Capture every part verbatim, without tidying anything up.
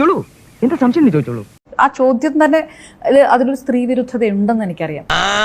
എന്താ സംശയം ചോദിച്ചോളൂ. ആ ചോദ്യം തന്നെ അതിലൊരു സ്ത്രീ വിരുദ്ധത ഉണ്ടെന്ന് എനിക്കറിയാം.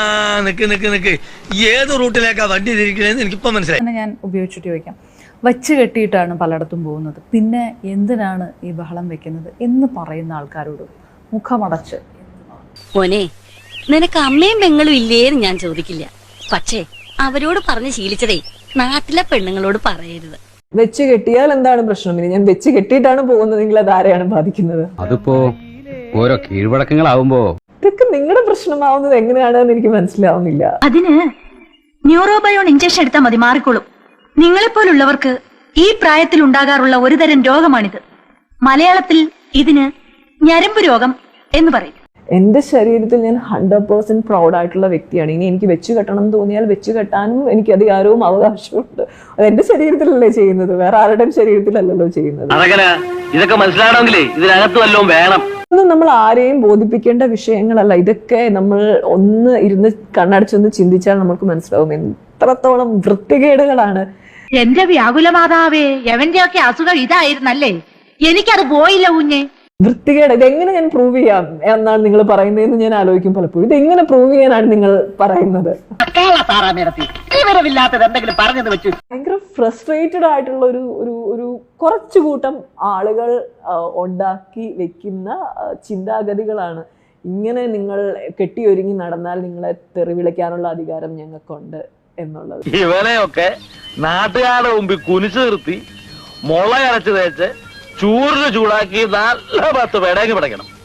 ഏത് റൂട്ടിലേക്കാ വണ്ടി തിരിക്കണേന്ന് എനിക്കിപ്പോ മനസ്സിലായി. ഞാൻ ഉപയോഗിച്ചിട്ട് ചോദിക്കാം, വച്ച് കെട്ടിയിട്ടാണ് പലയിടത്തും പോകുന്നത്, പിന്നെ എന്തിനാണ് ഈ ബഹളം വെക്കുന്നത് എന്ന് പറയുന്ന ആൾക്കാരോട് മുഖമടച്ച് മോനെ നിനക്ക് അമ്മയും പെങ്ങളും ഇല്ലേന്ന് ഞാൻ ചോദിക്കില്ല, പക്ഷേ അവരോട് പറഞ്ഞ് ശീലിച്ചതേ നാട്ടിലെ പെണ്ണുങ്ങളോട് പറയരുത്. വെച്ച് കെട്ടിയാൽ എന്താണ് പ്രശ്നം? ഇനി ഞാൻ വെച്ച് കെട്ടിയിട്ടാണ് പോകുന്നത്, നിങ്ങൾ അത് ആരെയാണ് ബാധിക്കുന്നത്? അതിപ്പോ ഓരോ കീഴ്വഴക്കങ്ങളാവുമ്പോ ഇതൊക്കെ നിങ്ങളുടെ പ്രശ്നമാവുന്നത് എങ്ങനെയാണെന്ന് എനിക്ക് മനസ്സിലാവുന്നില്ല. അതിന് ന്യൂറോബയോൺ ഇഞ്ചക്ഷൻ എടുത്താൽ മതി, മാറിക്കോളും. നിങ്ങളെപ്പോലുള്ളവർക്ക് ഈ പ്രായത്തിൽ ഉണ്ടാകാറുള്ള ഒരു തരം രോഗമാണിത്. മലയാളത്തിൽ ഇതിന് ഞരമ്പ് രോഗം എന്ന് പറയും. എന്റെ ശരീരത്തിൽ ഞാൻ ഹൺഡ്രഡ് പേഴ്സെന്റ് പ്രൗഡ് ആയിട്ടുള്ള വ്യക്തിയാണ്. ഇനി എനിക്ക് വെച്ച് കെട്ടണം എന്ന് തോന്നിയാൽ വെച്ച് കെട്ടാനും എനിക്ക് അധികാരവും അവകാശമുണ്ട്. അത് എന്റെ ശരീരത്തിലല്ലേ ചെയ്യുന്നത്, വേറെ ആരുടെയും ശരീരത്തിലല്ലല്ലോ ചെയ്യുന്നത്. ഇതൊക്കെ മനസ്സിലാവണമെങ്കിലേ ഇതിനകത്ത് വല്ലതും വേണം. ഒന്നും നമ്മൾ ആരെയും ബോധിപ്പിക്കേണ്ട വിഷയങ്ങളല്ല. ഇതൊക്കെ നമ്മൾ ഒന്ന് ഇരുന്ന് കണ്ണടച്ചൊന്ന് ചിന്തിച്ചാൽ നമുക്ക് മനസ്സിലാവും എത്രത്തോളം വൃത്തികേടുകളാണ്. എന്റെ വ്യാകുല മാതാവേ, എവന്റെ ഒക്കെ അസുഖം ഇതായിരുന്നല്ലേ, എനിക്കത് പോയില്ല കുഞ്ഞെ. വൃത്തികേട് ഇതെങ്ങനെ ഞാൻ പ്രൂവ് ചെയ്യാം എന്നാണ് നിങ്ങൾ പറയുന്നതെന്ന് ഞാൻ ആലോചിക്കും പലപ്പോഴും. ഇത് എങ്ങനെ പ്രൂവ് ചെയ്യാനാണ് നിങ്ങൾ പറയുന്നത്? ഭയങ്കര ഫ്രസ്ട്രേറ്റഡ് ആയിട്ടുള്ള ഒരു ഒരു ഒരു കുറച്ചു കൂട്ടം ആളുകൾ ഉണ്ടാക്കി വെക്കുന്ന ചിന്താഗതികളാണ്. ഇങ്ങനെ നിങ്ങൾ കെട്ടിയൊരുങ്ങി നടന്നാൽ നിങ്ങളെ തെറിവിളിക്കാനുള്ള അധികാരം ഞങ്ങൾക്കുണ്ട് എന്നുള്ളത്. ഇവനെയൊക്കെ നാട്ടുകാരുടെ മുമ്പിൽ കുനിച്ചു നിർത്തി മുള അരച്ച് തേച്ച് ചൂറിന് ചൂടാക്കി നല്ല പത്ത് പേടേക്ക് പിടയ്ക്കണം.